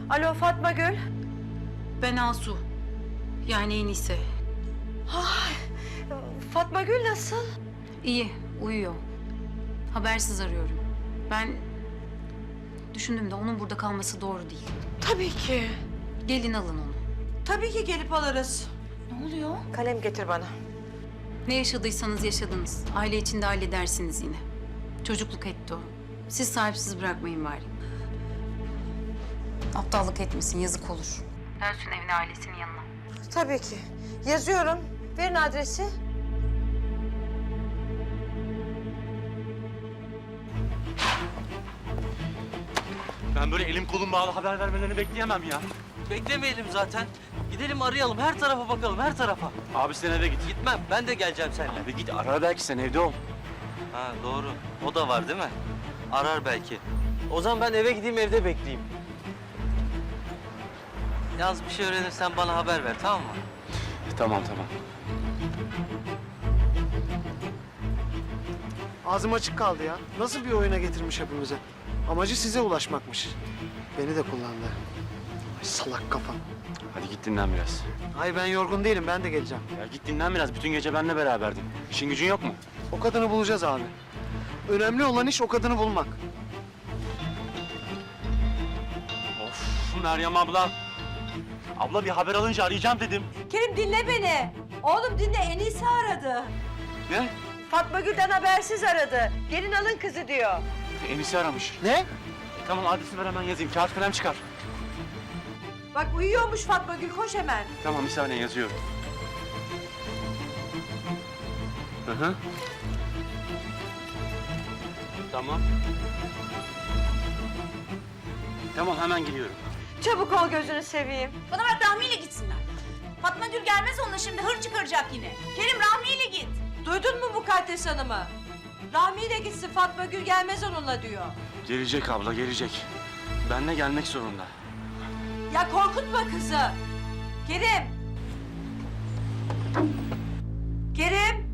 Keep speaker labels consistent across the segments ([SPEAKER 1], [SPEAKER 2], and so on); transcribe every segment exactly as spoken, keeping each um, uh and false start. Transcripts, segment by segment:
[SPEAKER 1] Alo Fatma Gül.
[SPEAKER 2] Ben Asu. Yani Enise.
[SPEAKER 1] Ay, Fatma Gül nasıl?
[SPEAKER 2] İyi, uyuyor. Habersiz arıyorum. Ben düşündüm de onun burada kalması doğru değil.
[SPEAKER 1] Tabii ki.
[SPEAKER 2] Gelin alın onu.
[SPEAKER 1] Tabii ki gelip alırız.
[SPEAKER 2] Ne oluyor?
[SPEAKER 1] Kalem getir bana.
[SPEAKER 2] Ne yaşadıysanız yaşadınız. Aile içinde halledersiniz yine. Çocukluk etti o. Siz sahipsiz bırakmayın bari. Aptallık etmesin, yazık olur. Dönsün evine, ailesinin yanına.
[SPEAKER 1] Tabii ki. Yazıyorum. Verin adresi.
[SPEAKER 3] Ben böyle elim kolum bağlı haber vermelerini bekleyemem ya.
[SPEAKER 4] Beklemeyelim zaten. Gidelim arayalım, her tarafa bakalım, her tarafa.
[SPEAKER 3] Abi sen eve git.
[SPEAKER 4] Gitmem, ben de geleceğim seninle.
[SPEAKER 3] Abi git ara belki sen evde ol.
[SPEAKER 4] Ha doğru, o da var değil mi? Arar belki. O zaman ben eve gideyim, evde bekleyeyim. Yalnız bir şey öğrenirsen bana haber ver, tamam mı?
[SPEAKER 3] Tamam tamam.
[SPEAKER 5] Ağzım açık kaldı ya. Nasıl bir oyuna getirmiş hepimizi? Amacı size ulaşmakmış. Beni de kullandı. Ay salak kafa.
[SPEAKER 3] Hadi git dinlen biraz.
[SPEAKER 5] Ay ben yorgun değilim, ben de geleceğim.
[SPEAKER 3] Ya git dinlen biraz. Bütün gece benimle beraberdin. İşin gücün yok mu?
[SPEAKER 5] O kadını bulacağız abi. Önemli olan iş o kadını bulmak.
[SPEAKER 3] Of Meryem abla. Abla bir haber alınca arayacağım dedim.
[SPEAKER 1] Kerim dinle beni. Oğlum dinle, Enise aradı.
[SPEAKER 3] Ne?
[SPEAKER 1] Fatma Gül'den habersiz aradı. Gelin alın kızı diyor.
[SPEAKER 3] Enisi aramış.
[SPEAKER 5] Ne?
[SPEAKER 3] E, tamam adresi ver hemen yazayım. Kağıt kalem çıkar.
[SPEAKER 1] Bak uyuyormuş Fatma Gül, koş hemen.
[SPEAKER 3] Tamam bir saniye yazıyorum. Hı hı. Tamam. Tamam hemen geliyorum.
[SPEAKER 1] Çabuk ol, gözünü seveyim.
[SPEAKER 6] Bana bak, Rahmi ile gitsinler. Fatma Gül gelmez onunla, şimdi hır çıkaracak yine. Kerim, Rahmi ile git.
[SPEAKER 1] Duydun mu Mukaddes Hanım'ı? Rahmi ile gitsin, Fatma Gül gelmez onunla diyor.
[SPEAKER 3] Gelecek abla gelecek. Benle gelmek zorunda.
[SPEAKER 1] Ya korkutma kızı. Kerim. Kerim.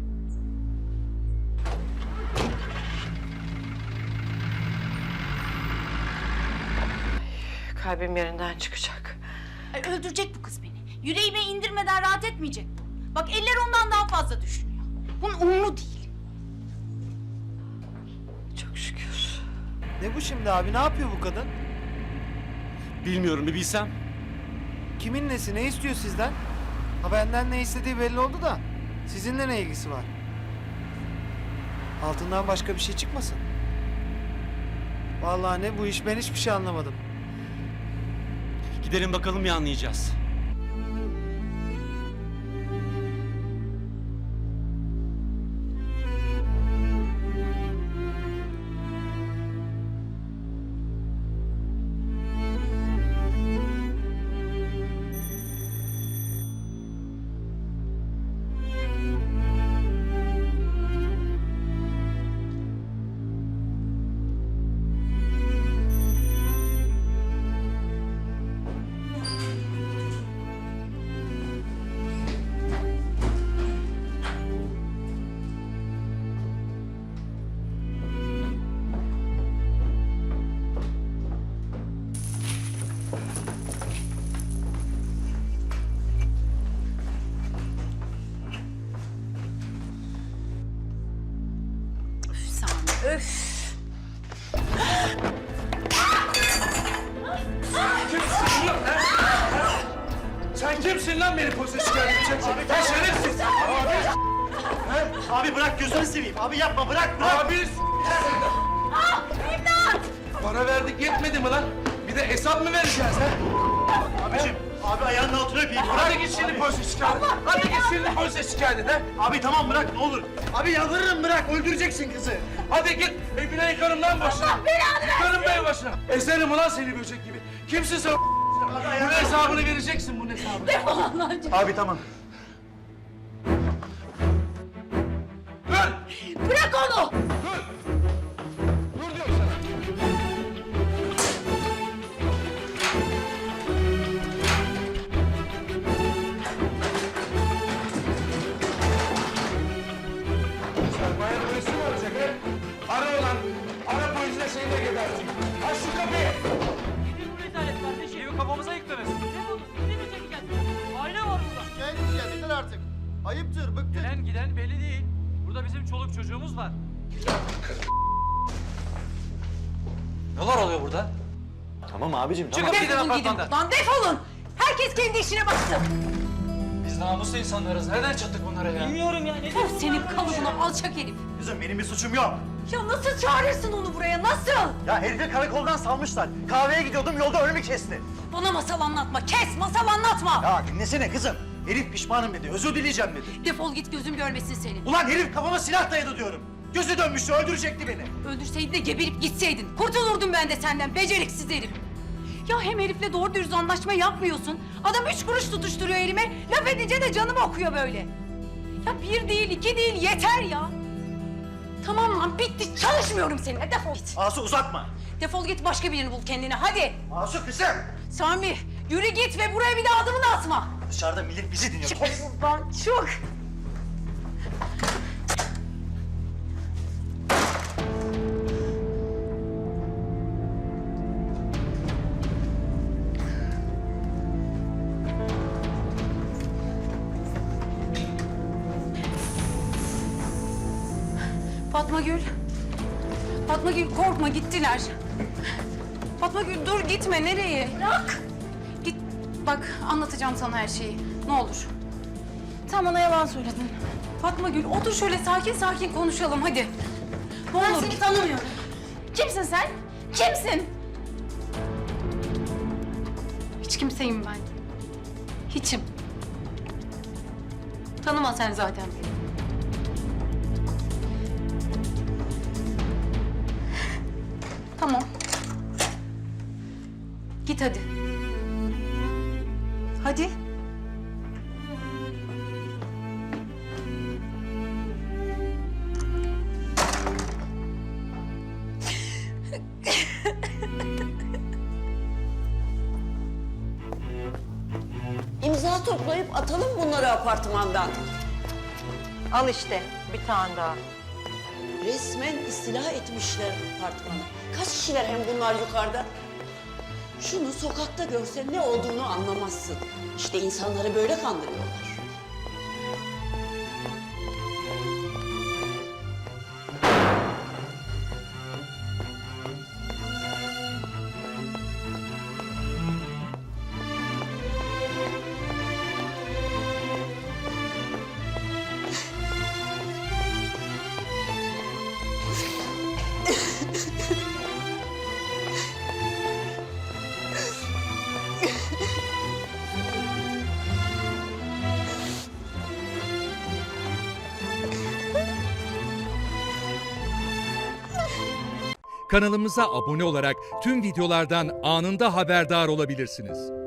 [SPEAKER 1] Ay, kalbim yerinden çıkacak.
[SPEAKER 6] Ay, öldürecek bu kız beni. Yüreğime indirmeden rahat etmeyecek bu. Bak, eller ondan daha fazla düşünüyor. Bunun umru değil.
[SPEAKER 1] Çok şükür.
[SPEAKER 5] Ne bu şimdi abi? Ne yapıyor bu kadın?
[SPEAKER 3] Bilmiyorum bir bilsem.
[SPEAKER 5] Kimin nesi? Ne istiyor sizden? Ha benden ne istediği belli oldu da. Sizinle ne ilgisi var? Altından başka bir şey çıkmasın. Vallahi ne bu iş, ben hiçbir şey anlamadım.
[SPEAKER 3] Gidelim bakalım ya anlayacağız.
[SPEAKER 2] Üf Sami, öf.
[SPEAKER 7] Sen kimsin lan beni polise şikayet edeceksin? Sen şerefsiz! Abi!
[SPEAKER 3] Abi bırak gözünü seveyim. Abi yapma bırak bırak.
[SPEAKER 7] Abi! Para verdik yetmedi mi lan? Bir de hesap mı vereceğiz ha?
[SPEAKER 3] Abicim abi ayağının altına öpeyim. Bırak.
[SPEAKER 7] Hadi git şimdi polise şikayet et. Hadi git şimdi polise şikayet et ha.
[SPEAKER 3] Abi tamam bırak ne olur. Abi yalvarırım bırak öldüreceksin kızı.
[SPEAKER 7] Hadi git evine yıkarım lan başına. Allah belanı Yıkarım bey başına. Ezerim ulan seni böcek gibi. Kimsin sen? Bunun hesabını vereceksin bunun hesabını.
[SPEAKER 6] Defol Allah aşkına.
[SPEAKER 3] Abi tamam.
[SPEAKER 7] Dur!
[SPEAKER 6] Bırak onu.
[SPEAKER 7] Dur diyorum sana. Sermaye polisi mi olacak he? Ara ulan. Ara polisle seni de gebertin. Aç şu kapıyı.
[SPEAKER 4] Nedir bu rezalet kardeşim?
[SPEAKER 8] Adam kafamıza yüklemesin. Aile var burada.
[SPEAKER 9] Şikayet edeceğiz. Yeter artık. Ayıptır, bıktık.
[SPEAKER 8] Gelen giden belli değil. Burada bizim çoluk çocuğumuz var. Neler oluyor burada?
[SPEAKER 3] Tamam abicim
[SPEAKER 8] Çıkın gidin apartmandan.
[SPEAKER 6] Lan defolun. Herkes kendi işine baksın.
[SPEAKER 8] Biz namuslu insanlarız. Nereden çıktık bunlara ya? Bilmiyorum ya. Ne
[SPEAKER 6] Puh, senin kalıbına alçak herif.
[SPEAKER 3] Kızım benim bir suçum yok.
[SPEAKER 6] Ya nasıl çağırırsın onu buraya, nasıl?
[SPEAKER 3] Ya herifi karakoldan salmışlar. Kahveye gidiyordum yolda önümü kesti.
[SPEAKER 6] Bana masal anlatma, kes masal anlatma.
[SPEAKER 3] Ya dinlesene kızım. Herif pişmanım dedi, özür dileyeceğim dedi.
[SPEAKER 6] Defol git, gözüm görmesin seni.
[SPEAKER 3] Ulan herif kafama silah dayadı diyorum. Gözü dönmüştü, öldürecekti beni.
[SPEAKER 6] Öldürseydin de geberip gitseydin. Kurtulurdum ben de senden, beceriksiz herif. Ya hem herifle doğru dürüst anlaşma yapmıyorsun. Adam üç kuruş tutuşturuyor elime. Laf edince de canım okuyor böyle. Ya bir değil, iki değil, yeter ya. Tamam lan, bitti. Çalışmıyorum seninle. Defol git.
[SPEAKER 3] Asu uzatma.
[SPEAKER 6] Defol git, başka birini bul kendine. Hadi.
[SPEAKER 3] Asu kızım.
[SPEAKER 6] Sami, yürü git ve buraya bir daha adımını atma.
[SPEAKER 3] Dışarıda millet bizi dinliyor.
[SPEAKER 6] Çık buradan, çık. Fatma Gül. Fatma Gül korkma, gittiler. Fatma Gül dur, gitme, nereye? Bırak. Git, bak anlatacağım sana her şeyi. Ne olur. Sen bana yalan söyledin. Fatma Gül otur şöyle sakin sakin konuşalım hadi. Ne
[SPEAKER 2] Ben
[SPEAKER 6] olur.
[SPEAKER 2] seni tanımıyorum. Kimsin sen? Kimsin?
[SPEAKER 6] Hiç kimseyim ben. Hiçim. Tanıma sen zaten beni. Tamam. Git hadi. Hadi.
[SPEAKER 10] İmza toplayıp atalım bunları apartmandan.
[SPEAKER 1] Al işte bir tane daha.
[SPEAKER 10] Resmen istila etmişler apartmanı. Kaç kişiler hem bunlar yukarıda? Şunu sokakta görsen ne olduğunu anlamazsın. İşte insanları böyle kandırıyorlar.
[SPEAKER 11] Kanalımıza abone olarak tüm videolardan anında haberdar olabilirsiniz.